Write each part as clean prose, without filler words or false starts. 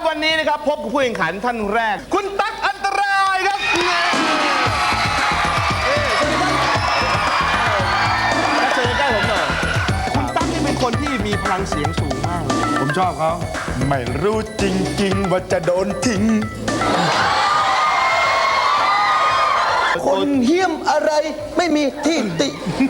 วันนี้นะครับพบกับผู้แข่งขันท่านแรกคุณตั๊กอันตรายครับเชิญใกล้ผมหน่อยคุณตั๊กนี่เป็นคนที่มีพลังเสียงสูงมากเลยผมชอบเขาไม่รู้จริงๆว่าจะโดนทิ้งคนเหี้ยมอะไรไม่มีที่ติ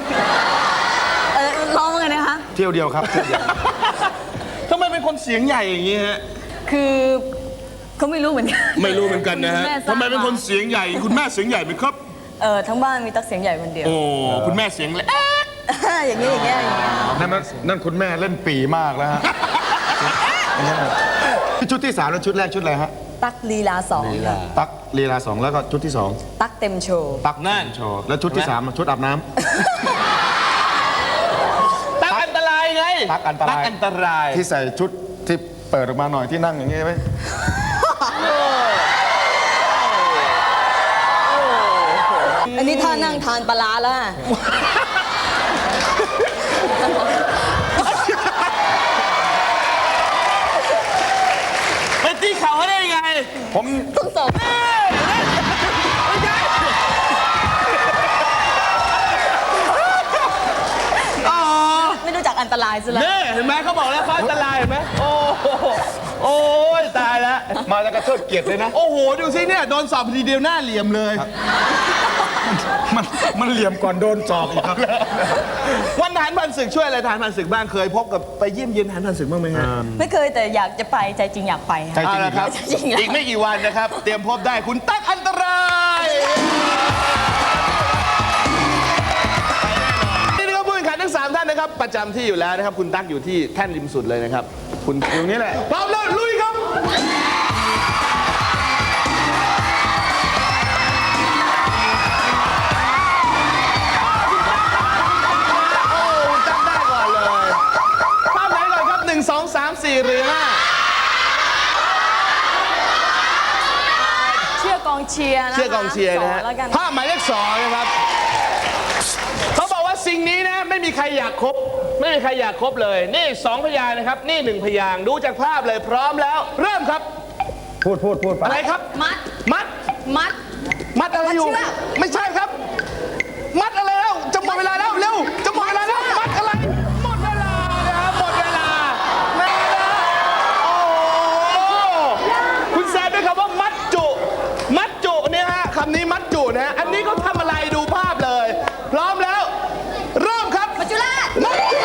ร้องว่าไงนะคะเที่ยวเดียวครับเที่ยวเดียวทำไมเป็นคนเสียงใหญ่อย่างนี้ฮะคือเขาไม่รู้เหมือนกันไม่รู้เหมือนกันนะฮะแม่ทราบทำไมเป็นคนเสียงใหญ่คุณแม่เสียงใหญ่ไหมครับทั้งบ้านมีตั๊กเสียงใหญ่คนเดียวโอ้คุณแม่เสียงเล็กอย่างเงี้ยอย่างเงี้ยอย่างเงี้ยนั่นคุณแม่เล่นปีมากแล้วฮะชุดที่3แล้วชุดแรกชุดอะไรฮะตั๊กลีลาสองตั๊กลีลา2แล้วก็ชุดที่2 ตั๊กเต็มโชว์ตั๊กนั่นโชว์แล้วชุดที่3ชุดอาบน้ำตั๊กอันตรายไงตั๊กอันตรายตั๊กอันตรายที่ใส่ชุดที่เปิดออกมาหน่อยที่นั่งอย่างงี้ไหมอันนี้ท่านั่งทานปลาร้าแล้วอะไปตีเข่าเขาได้ยังไงผมต้องสอบ ไม่รู้จักอันตรายซะแล้วนี่เห็นไหมเขาบอกแล้วเขาอันตรายเห็นไหมโอ้โหโอ้ยตายแล้วมาแล้วก็เทิดเกียรติเลยนะโอ้โหดูสิเนี่ยโดนสอบทีเดียวหน้าเหลี่ยมเลยมันเหลี่ยมก่อนโดนสอบอีกครับวันทหารผ่านศึกช่วยอะไรทหารผ่านศึกบ้างเคยพบกับไปเยี่ยมเยียนทหารผ่านศึกบ้างไหมฮะไม่เคยแต่อยากจะไปใจจริงอยากไปใจค่ะจริงเอาละครับจริงๆแล้วอีกไม่กี่วันนะครับ เตรียมพบได้คุณตั๊กอันตรายนี่นะครับผู้แข่งขันทั้ง3ท่านนะครับประจำที่อยู่แล้วนะครับคุณตั๊กอยู่ที่แท่นริมสุดเลยนะครับคุณอยู่นี่แหละพร้อมแล้วลุยครับจำได้ก่อนเลยภาพไหนก่อนครับ1 2 3 4 หรือ 5 เชื่อกองเชียร์นะคะเชื่อกองเชียร์นะฮะสองแล้วกันภาพหมายเลข2นะครับเขาบอกว่าสิ่งนี้นะไม่มีใครอยากคบไม่มีใครอยากคบเลย นี่2 พยางค์นะครับนี่1 พยางค์ดูจากภาพเลยพร้อมแล้ว เริ่มครับพูดไปอะไรครับมัดมัดมัดมัดอะไรอยู่มัดเชือกไม่ใช่ครับ มัดอะไรแล้วจะหมดเวลาแล้วเร็วจะหมดเวลาแล้วมัดอะไรหมดเวลานะครับหมดเวลาโอ้โหคุณแซมด้วยคำว่ามัดจุมัดจุเนี่ยฮะคำนี้มัดจุนะฮะอันนี้เขาทำอะไรดูภาพเลย พร้อมแล้วเริ่มครับมัจจุราชมัดจุ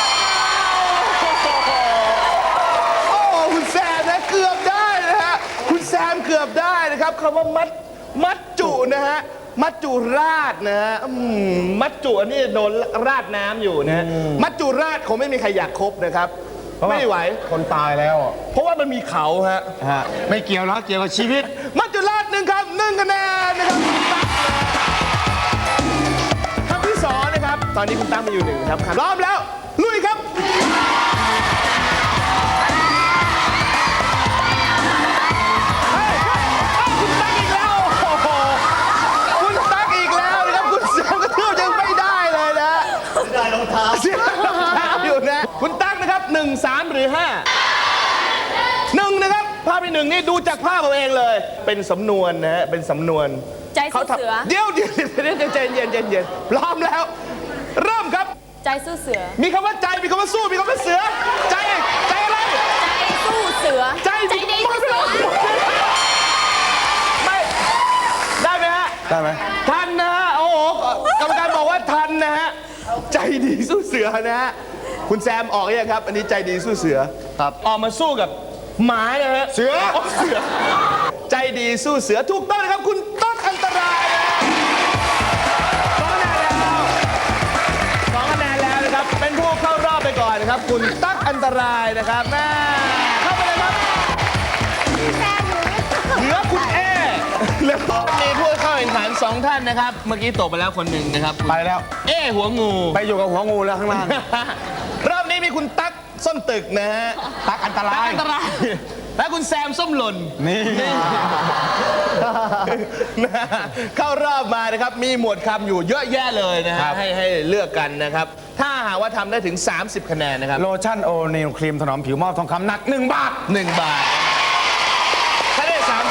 โอ้คุณแซมนะเกือบได้นะฮะคุณแซมเกือบได้นะครับคำว่ามัดจุนะฮะมัจจุราชนะฮะมัจจุอันนี้โดนราดน้ำอยู่นะฮะมัจจุราชคงไม่มีใครอยากคบนะครับไม่ไหวคนตายแล้วอ่ะเพราะว่ามันมีเขาฮะไม่เกี่ยวแล้วเกี่ยวกับชีวิตมัจจุราช1 ครับ1 คะแนนนะครับคำที่2นะครับตอนนี้คุณตั้งมาอยู่1ครับพร้อมแล้วลุยครับเฮ้ยคุณตั๊กอีกแล้วโอ้โหคุณตั๊กอีกแล้วนะครับคุณเสือกระทืบยังไม่ได้เลยนะได้รองเท้าเสียรองเท้าอยู่นะคุณตั๊กนะครับ1 3 หรือ 5 1นะครับภาพที่1นี่ดูจากภาพเอาเองเลย เป็นสำนวนนะฮะเป็นสำนวนใจสู้เสือเดี๋ยวใจเย็นพร้อมแล้ว เริ่มครับใจสู้เสือมีคำว่าใจมีคำว่าสู้มีคำว่าเสือใจอะไรใจสู้เสือใจดีสู้เสือไม่ได้ไหมฮะได้ไหมทันนะฮะโอ้โหกรรมการบอกว่าทันนะฮะใจดีสู้เสือนะฮะคุณแซมออกยังครับ อันนี้ใจดีสู้เสือครับออกมาสู้กับหมานะฮะเสือเสือใจดีสู้เสือถูกต้องนะครับคุณตั๊กอันตรายนะ2 คะแนนแล้วนะครับเป็นผู้เข้ารอบไปก่อนนะครับคุณตั๊กอันตรายนะครับแม่เข้าไปเลยครับเหลือคุณเอแล้วก็มีผู้เข้าแข่งขัน2 ท่านนะครับเมื่อกี้ตกไปแล้วคนหนึ่งนะครับคุณไปแล้วเอหัวงูไปอยู่กับหัวงูแล้วข้างล่างรอบนี้มีคุณตั๊กส้นตึกนะฮะตั๊กอันตราตั๊กยอันตรายและคุณแซมส้มหล่นนี่เข้ารอบมานะครับมีหมวดคำอยู่เยอะแยะเลยนะฮะให้เลือกกันนะครับถ้าหากว่าทำได้ถึง30 คะแนนนะครับโลชั่นโอนิลครีมถนอมผิวมอบทองคำหนัก1 บาท 1 บาท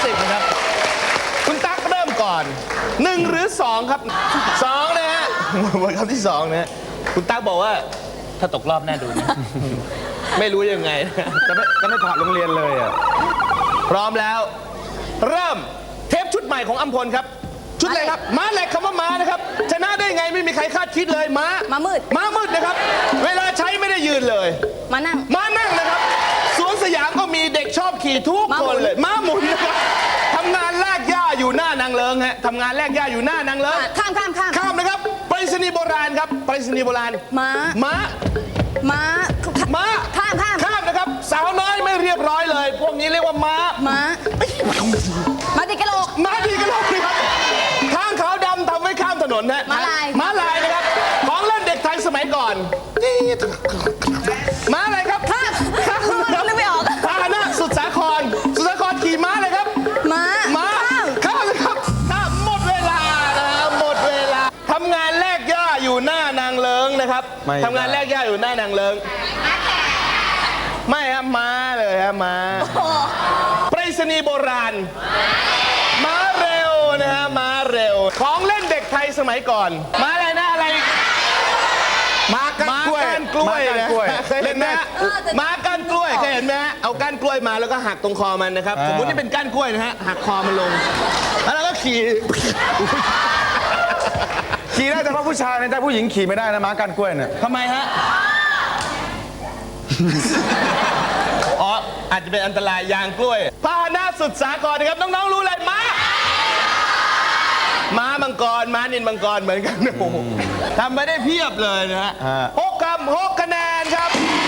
30นะครับคุณตั๊กเริ่มก่อน1หรือ2ครับ2นะฮะหมดคำที่2นะฮะคุณตั๊กบอกว่าถ้าตกรอบแน่ดูนะ ไม่รู้ยังไงนะจะไม่ผ่านโรงเรียนเลยอ่ะพร้อมแล้ว เริ่มเทปชุดใหม่ของอัมพลครับ ชุดอะไรครับม้าเหล็กคำว่าม้านะครับชนะได้ไงไม่มีใครคาดคิดเลยม้าม้ามืดม้ามืดนะครับ เวลาใช้ไม่ได้ยืนเลยมานั่งม้านั่งนะครับสวนสยามก็มีเด็กชอบขี่ทุกม้าหมุคนนเลยม้าหมุนนะครับทำงานแลกหญ้าอยู่หน้านางเลิงฮะทำงานแลกหญ้าอยู่หน้านางเลิงข้ามข้ามนะครับไปรษณีย์โบราณครับไปรษณีย์โบราณม้าม้าม้าม้าข้ามข้ามนะครับสาวน้อยไม่เรียบร้อยเลย พวกนี้เรียกว่าม้าม้ามาติดกระโหลกม้าดีกันเลยครับทางขาวดำทำไว้ข้ามถนนนะม้าลายม้าลายนะครับของเล่นเด็กไทยสมัยก่อนม้าอะไรครับข้ามข้ามนะครับนึกไม่ออกพาหนะสุดสาครขี่ม้าเลยครับม้าม้าข้ามข้ามเลยครับข้ามหมดเวลานะครับหมดเวลาทำงานแลกหญ้าอยู่หน้านางเลิงนะครับไม่ได้ทำงานแลกหญ้าอยู่หน้านางเลิงไม่ครับม้าเลยครับม้าโอ้ไปรษณีย์โบราณม้าเร็วนะฮะม้าเร็ว ของเล่นเด็กไทยสมัยก่อนม้าอะไรนะอะไรม้าก้านกล้วยม้าก้านกล้วยม้าก้านนะกล้วยเคยเห็นไหมฮะม้าก้านกล้วยเคยเห็นไหมฮะเอาก้านกล้วยมาแล้วก็หักตรงคอมันนะครับสมมตินี่เป็นก้านกล้วยนะฮะหักคอมันลงแล้วเราก็ขี่ขี่ได้เฉพาะผู้ชายนะแต่ผู้หญิงขี่ไม่ได้นะม้าก้านกล้วยเนี่ยทำไมฮะ อ๋อ อาจจะเป็นอันตรายยางกล้วยพาหนะสุดสากลนะครับ น้อง ๆ รู้เลยม้า ม้ามังกร ม้านินมังกรเหมือนกันโอ้โหทำไม่ได้เพียบเลยนะฮะ6 คำ 6 คะแนนครับ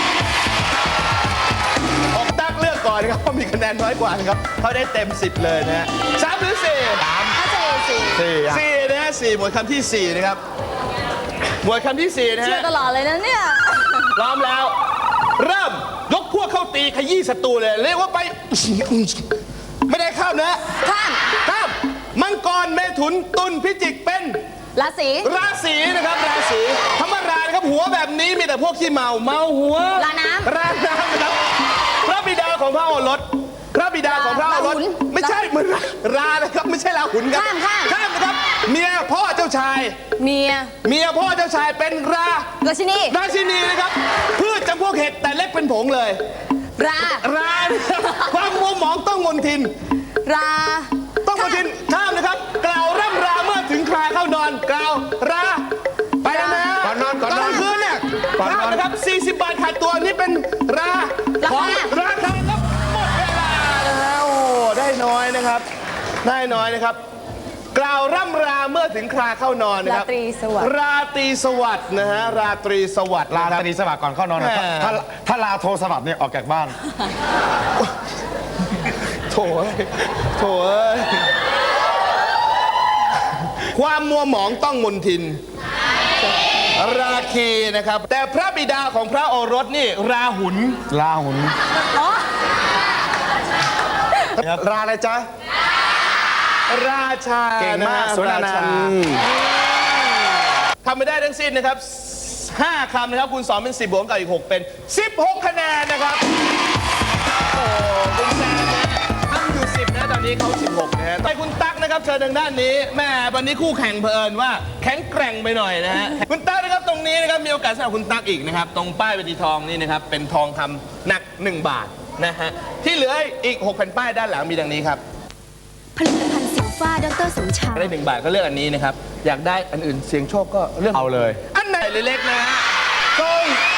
ตั๊กเลือกก่อนนะครับเพราะมีคะแนนน้อยกว่านะครับเขาได้เต็ม 10 เลยนะฮะ3หรือ4 ถ้าเจอสิ 4นะฮะ4หมวดคำที่ 4 นะครับ หมวดคำที่ 4 นะเชื่อฮะตลอดเลยนะเนี่ยพร้อมแล้ว เริ่มยกพวกเข้าตีขยี้ศัตรูเลย เรียกว่าไป ไม่ได้ข้ามนะข้ามข้ามมังกรเมถุนตุลพิจิกเป็นราศีราศีนะครับราศีธรรมรานะครับหัวแบบนี้มีแต่พวกขี้เมาหัวราน้ำราน้ำนะครับพระบิดาของพระโอรสพระบิดาของพระโอรสราหุลไม่ใช่เหมือนรานะครับไม่ใช่ราหุนครับข้ามนะครับเมียพ่อเจ้าชายเมียเมียพ่อเจ้าชายเป็นราราชินีราชินีนะครับพืชจำพวกเห็ดแต่เล็กเป็นผงเลยรารานะครับความมัวหมองต้องมนทินราต้องมนทินข้ามนะครับ กล่าวร่ำราเมื่อถึงคราเข้านอนกล่าวราไปแล้วนะก่อนนอนตอนคืนเนี่ยข้ามนะครับ40 บาทขาดตัวนี่เป็นราของราคาครับหมดเวลานะฮะโอ้ได้น้อยนะครับ ได้น้อยนะครับ กล่าวร่ำราเมื่อถึงคราเข้านอนนะครับราตรีสวัสดิ์ราตรีสวัสดิ์นะฮะราตรีสวัสดิ์ลานะครับตรีสวัสดิ์ก่อนเข้านอนนะแหมถ้าลาโทรสวัสดิ์เนี่ยออกจากบ้านโถเอ้ยโถเอ้ยความมัวหมองต้องมนทิน ราคีนะครับ แต่พระบิดาของพระโอรสนี่ราหุลลาหุนอ๋อราอะไรจ๊ะราชาเก่งมากะฮะสวนอนันต์ราชาทำไม่ได้ทั้งสิ้นนะครับ5 คำนะครับคูณ2เป็น10บวกกับอีก 6 เป็น 16 คะแนนนะครับ โอ้คุณแซมนะทำอยู่ 10 นะตอนนี้เขา16 นะฮะไปคุณตั๊กนะครับเชิญทางด้านนี้แม่วันนี้คู่แข่งเผอิญว่าแข็งแกร่งไปหน่อยนะฮะ คุณตั๊กนะครับตรงนี้นะครับมีโอกาสสำหรับคุณตั๊กอีกนะครับตรงป้ายเวทีทองนี่นะครับเป็นทองคำหนัก 1 บาทนะฮะที่เหลืออีก 6 แผ่นป้ายด้านหลังมีดังนี้ครับผลิตภัณฑ์สิวฟ้าดรสมชายได้1 บาทก็เลือกอันนี้นะครับอยากได้อันอื่นเสียงโชคก็เรื่องเอาเลยอันไหนเล็กๆนะฮะทรง